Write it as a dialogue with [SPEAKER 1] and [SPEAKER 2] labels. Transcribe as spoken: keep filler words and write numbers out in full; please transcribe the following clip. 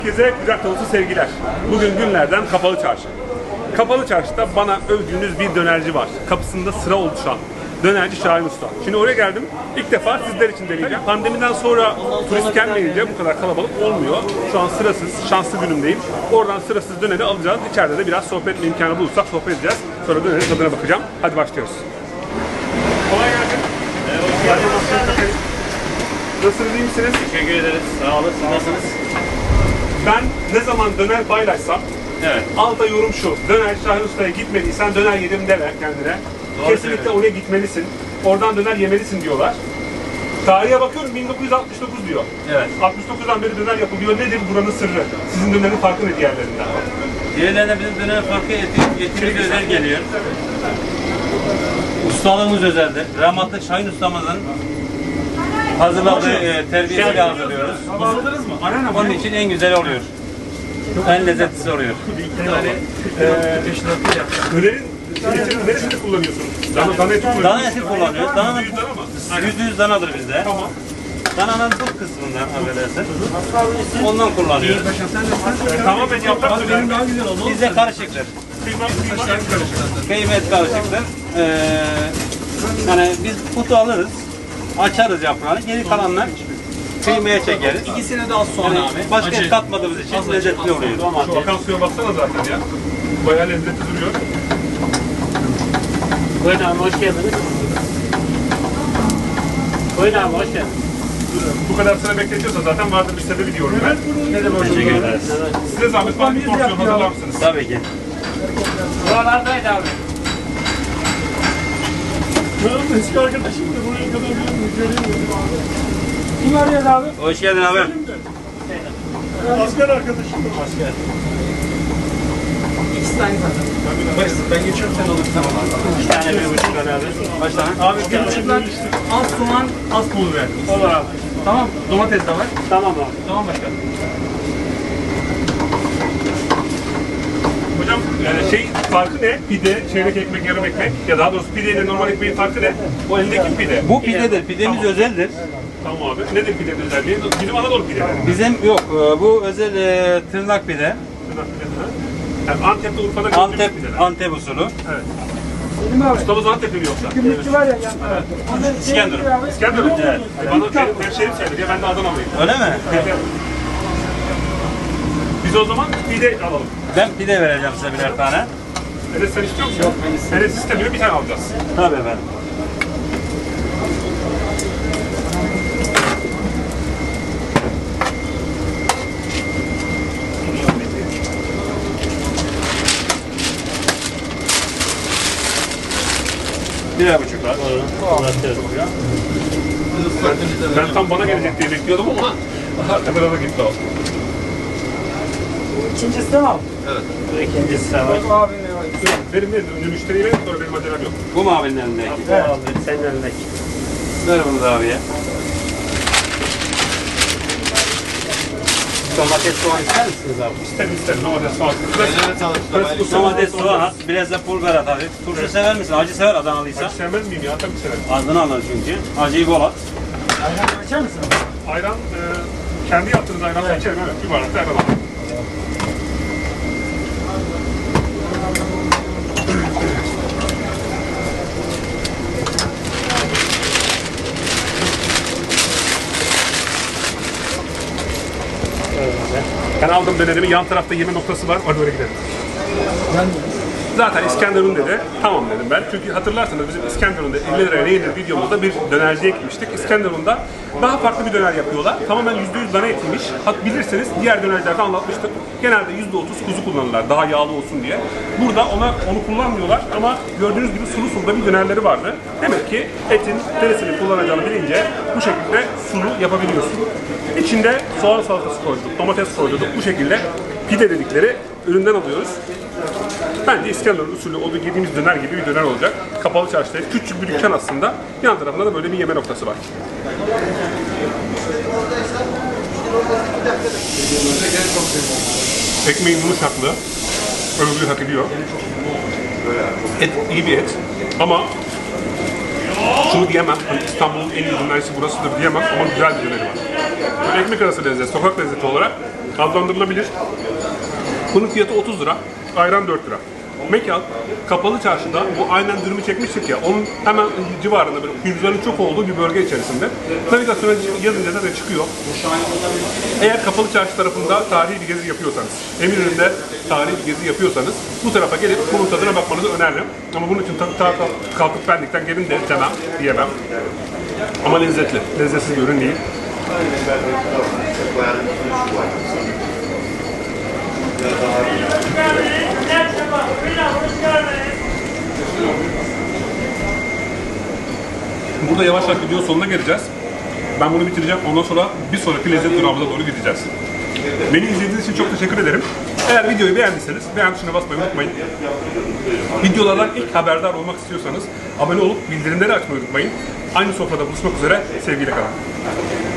[SPEAKER 1] Herkese kucak dolusu sevgiler. Bugün günlerden Kapalı Çarşı. Kapalı Çarşı'da bana övdüğünüz bir dönerci var. Kapısında sıra oluşan dönerci Şahin Usta. Şimdi oraya geldim. İlk defa sizler için deneyeceğim. Pandemiden sonra turist gelmeyince bu kadar kalabalık olmuyor. Şu an sırasız, şanslı günümdeyim. Oradan sırasız döneri alacağız. İçeride de biraz sohbet imkanı bulursak sohbet edeceğiz. Sonra dönerin tadına bakacağım. Hadi başlıyoruz. Kolay gelsin. Evet, nasılsınız, iyi misiniz?
[SPEAKER 2] Teşekkür ederiz. Sağ olun. Siz nasılsınız?
[SPEAKER 1] Ben ne zaman döner paylaşsam,
[SPEAKER 2] Evet.
[SPEAKER 1] alta yorum şu: döner Şahin Usta'ya gitmediysen döner yedim deme kendine.
[SPEAKER 2] Doğru
[SPEAKER 1] Kesinlikle
[SPEAKER 2] söylüyorsun.
[SPEAKER 1] oraya gitmelisin. Oradan döner yemelisin diyorlar. Tarihe bakıyorum bin dokuz yüz altmış dokuz diyor.
[SPEAKER 2] Evet.
[SPEAKER 1] altmış dokuzdan beri döner yapılıyor. Nedir buranın sırrı? Sizin dönerin farkı ne diğerlerinden?
[SPEAKER 2] Diğerlerine bizim dönem farkı eti, etimiz özel geliyor. Ustalığımız özeldir. Rahmetli Şahin ustamızın hazırladığı e, terbiyesiyle hazırlıyoruz.
[SPEAKER 1] Anladınız mı? Arena
[SPEAKER 2] Onun için en güzel oluyor. En lezzetlisi oluyor.
[SPEAKER 1] yani, e, dönerin etinin neresini kullanıyorsunuz? Dana, dana eti kullanıyorsunuz.
[SPEAKER 2] Dana eti kullanıyoruz. Dananın
[SPEAKER 1] yüzde yüz dana mı?
[SPEAKER 2] yüzde yüz danadır bizde.
[SPEAKER 1] Tamam.
[SPEAKER 2] Dananın bu kısmından affedersin. Ondan kullanıyoruz.
[SPEAKER 1] E, tamamen yaprak döner.
[SPEAKER 2] Bizde karışıktır.
[SPEAKER 1] Kıyma, kıyma, et karışık.
[SPEAKER 2] Kıyma et karışıktır. Ee, yani biz kutu alırız, açarız yaprağını, geri kalanlar kıymaya çekeriz.
[SPEAKER 3] İkisine de az soğan
[SPEAKER 2] Yani
[SPEAKER 3] abi.
[SPEAKER 2] başka
[SPEAKER 3] Acı.
[SPEAKER 2] et katmadığımız için lezzetli oluyor.
[SPEAKER 1] Şu akan suya baksana zaten ya. Bayağı lezzetli duruyor.
[SPEAKER 4] Buyurun abi, hoş geldiniz. Buyurun abi, hoş geldiniz.
[SPEAKER 1] Bu kadar sıra bekletiyorsa zaten vardır bir sebebi diyorum ben. Ne demek hoşuma
[SPEAKER 2] Teşekkür ederiz.
[SPEAKER 1] Size zahmet bana bir porsiyon hazırlar mısınız?
[SPEAKER 2] Tabii ki.
[SPEAKER 4] Buralardaydı abi.
[SPEAKER 3] Benim eski arkadaşım da buraya kadar gelmiyor. Göremiyorum abi. Kim arıyor abi?
[SPEAKER 2] Hoş geldin abi.
[SPEAKER 3] Asker arkadaşım da. Asker. İkisi de aynı zaten. Ben geçiyorum, sen alır. Tamam abi.
[SPEAKER 2] Bir tane bir buçuk tane abi. Kaç tane?
[SPEAKER 3] Abi bir buçuklar az soğan, az pul biber.
[SPEAKER 4] Olur abi.
[SPEAKER 3] Tamam, domates de var.
[SPEAKER 4] Tamam abi.
[SPEAKER 3] Tamam başkanım.
[SPEAKER 1] Hocam e, şey farkı ne? Pide, çeyrek ekmek, yarım ekmek ya daha doğrusu pide ile normal ekmeğin farkı ne? O eldeki pide.
[SPEAKER 2] Bu pidedir. Pidemiz
[SPEAKER 1] Tamam.
[SPEAKER 2] özeldir.
[SPEAKER 1] Tamam abi. Nedir pidenin özelliği? Bizim Anadolu pideleri.
[SPEAKER 2] Bizim yok. e, Bu özel e, tırnak pide.
[SPEAKER 1] Tırnak pideleri. Yani Antep'te Urfa'da gördüğümüz
[SPEAKER 2] Antep
[SPEAKER 1] pideler.
[SPEAKER 2] Antep usulü.
[SPEAKER 1] Evet.
[SPEAKER 3] Selim abi.
[SPEAKER 1] Ustamız Antep'li mi yoksa?
[SPEAKER 3] Gümrükçü var ya yan tarafta.
[SPEAKER 2] İskenderun.
[SPEAKER 1] İskender mi?
[SPEAKER 2] Evet.
[SPEAKER 1] Bana benim hemşehrim sayılır ya, ben de Adanalıyım.
[SPEAKER 2] Öyle mi?
[SPEAKER 1] Biz o zaman pide alalım.
[SPEAKER 2] Ben pide vereceğim size birer tane.
[SPEAKER 1] Enes sen istiyor musun? Yok, ben istemiyorum. Enes istemiyor, bir tane alacağız.
[SPEAKER 2] Tabii efendim. Birer buçuk var.
[SPEAKER 1] Ben, ben tam bana gelecek diye bekliyordum ama arkadan da gitti o.
[SPEAKER 3] İkincisi de mi abi?
[SPEAKER 2] İkincisi de var.
[SPEAKER 3] Abi ne var?
[SPEAKER 1] Benim verin, önce müşteriye verin, sonra benim acelem yok.
[SPEAKER 2] Bu mu abinin elindeki?
[SPEAKER 4] Evet. Abi, senin önündeki.
[SPEAKER 2] Ver bunu da abiye.
[SPEAKER 4] Domates soğan ister misiniz abi?
[SPEAKER 1] İsterim isterim, domates soğan. Klasik
[SPEAKER 2] Domates, soğan at, biraz da pul biber at hafif. Turşu sever misin? Acı sever Adanalıysa.
[SPEAKER 1] Acı sevmez miyim ya? Tabii severim.
[SPEAKER 2] Ağzını alır çünkü. Acıyı bol at.
[SPEAKER 3] Ayran açar mısın?
[SPEAKER 1] Ayran, e, kendi yaptığınız ayranla içerim, evet. Bir bardak da ayran alalım. Ben aldım dönerimi, yan tarafta yeme noktası var, hadi oraya gidelim. Zaten İskenderun dedi, tamam dedim ben. Çünkü hatırlarsanız bizim İskenderun'da elli liraya ne yenir videomuzda bir dönerciye gitmiştik. İskenderun'da daha farklı bir döner yapıyorlar. Tamamen yüzde yüz dana etiymiş. Hat bilirseniz diğer dönercilerde anlatmıştık. Genelde yüzde otuz kuzu kullanırlar daha yağlı olsun diye. Burada ona onu kullanmıyorlar ama gördüğünüz gibi sulu sulu da bir dönerleri vardı. Demek ki etin neresini kullanacağını bilince bu şekilde sulu yapabiliyorsun. İçinde soğan salatası koyduk, domates koyduk. Bu şekilde pide dedikleri üründen alıyoruz. Bence İskenderun usulü o yediğimiz döner gibi bir döner olacak. Kapalı Çarşı'da küçük bir dükkan aslında. Yan tarafında da böyle bir yeme noktası var. Ekmeğin yumuşaklığı övgüyü hak ediyor. Et iyi bir et ama şunu diyemem, hani İstanbul'un en iyi dönerisi burasıdır diyemem ama güzel bir döneri var. bir ekmek arası lezzet, sokak lezzeti olarak adlandırılabilir. Bunun fiyatı otuz lira, ayran dört lira. Mekan kapalı çarşıda, bu aynen dürümü çekmiştik ya, onun hemen civarında böyle hücrelerin çok olduğu bir bölge içerisinde. Navigasyona yazınca zaten çıkıyor. Eğer kapalı çarşı tarafında tarihi bir gezi yapıyorsanız, Eminönü'nde tarihi bir gezi yapıyorsanız bu tarafa gelip bunun tadına bakmanızı öneririm. Ama bunun için tabii ta kalkıp Pendik'ten gelin de demem, diyemem. Ama lezzetli, lezzetsiz bir ürün değil. Burada yavaş yavaş videonun sonuna geleceğiz. Ben bunu bitireceğim. Ondan sonra bir sonraki lezzet durağımıza doğru gideceğiz. Beni izlediğiniz için çok teşekkür ederim. Eğer videoyu beğendiyseniz beğen tuşuna basmayı unutmayın. Videolardan ilk haberdar olmak istiyorsanız abone olup bildirimleri açmayı unutmayın. Aynı sofrada buluşmak üzere. Sevgiyle kalın.